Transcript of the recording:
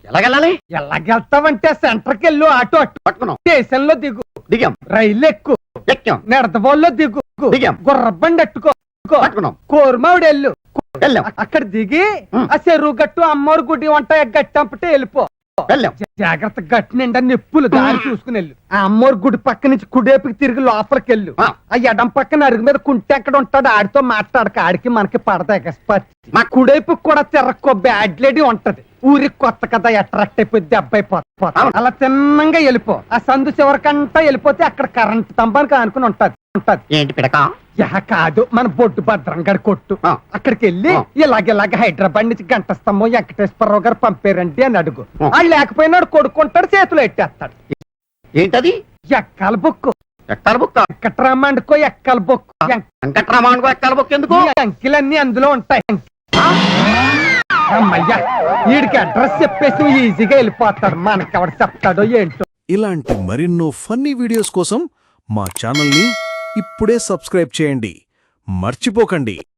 ఎలాగెళ్ళాలి? ఎలాగెళ్తావంటే సెంటర్కి వెళ్ళు, ఆటో అట్టు పట్టుకున్నాం, స్టేషన్ లో దిగు, దిగాం, రైలు ఎక్కు, ఎక్కాం, నెడతబోల్లో దిగు, దిగాం, గుర్రబండి అట్టుకో, పట్టుకున్నాం, కోరమావిడి వెళ్ళు, వెళ్ళాం, అక్కడ దిగి ఉం. ఆ చెరువు గట్టు అమ్మోరు గుడి వంట గట్టి అంపటే వెళ్ళిపో. వెళ్ళాం. జాగ్రత్త గట్టి నిండా నిప్పులు దారి చూసుకుని వెళ్ళు. ఆ అమ్మోరు గుడి పక్క నుంచి కుడేపుకి తిరిగి లోపలికి వెళ్ళు. ఆ. ఆ ఎడం పక్కన అరుగు మీద కుంటే ఎక్కడ ఉంటాడు, ఆడితో మాట్లాడక, ఆడికి మనకి పడతాయి. మా కుడేపు కూడా తిరక్కో బ్యాడ్ లేడీ ఉంటది. ఊరికి కొత్త కదా, అట్రాక్ట్ అయిపోయి దెబ్బ అయిపోతా. అలా తిన్నంగా వెళ్ళిపో. ఆ సందు చివరికంటా వెళ్ళిపోతే అక్కడ కరెంట్ స్తంభానికి ఆనుకుని ఉంటది. ఏంటి పిడక? యహ కాదు, మన బొడ్డు భద్రంగడి కొట్టు. ఆ. అక్కడికి వెళ్ళి ఆ. ఇలాగ హైదరాబాద్ నుంచి గంట స్తంభం వెంకటేశ్వరరావు గారు పంపారండి అని అడుగు. ఆ. వాళ్ళు లేకపోయినాడు కొడుకుంటాడు, చేతులు ఎట్టేస్తాడు. ఏంటది? ఎక్కల బొక్కు, ఎక్కాల బుక్? వెంకటరామండుకో ఎక్కల బొక్కు. వెంకట్రామానుకో ఎక్కాల బుక్ ఎందుకు? ఈ అంకెలన్నీ అందులో ఉంటాయి. అమ్మయ్యా, వీడికి అడ్రస్ చెప్పేసి ఈజీగా వెళ్ళిపోతాడు. మనకెవడ చెప్తాడో ఏంటో. ఇలాంటి మరెన్నో ఫన్నీ వీడియోస్ కోసం మా ఛానల్ని ఇప్పుడే సబ్స్క్రైబ్ చేయండి. మర్చిపోకండి.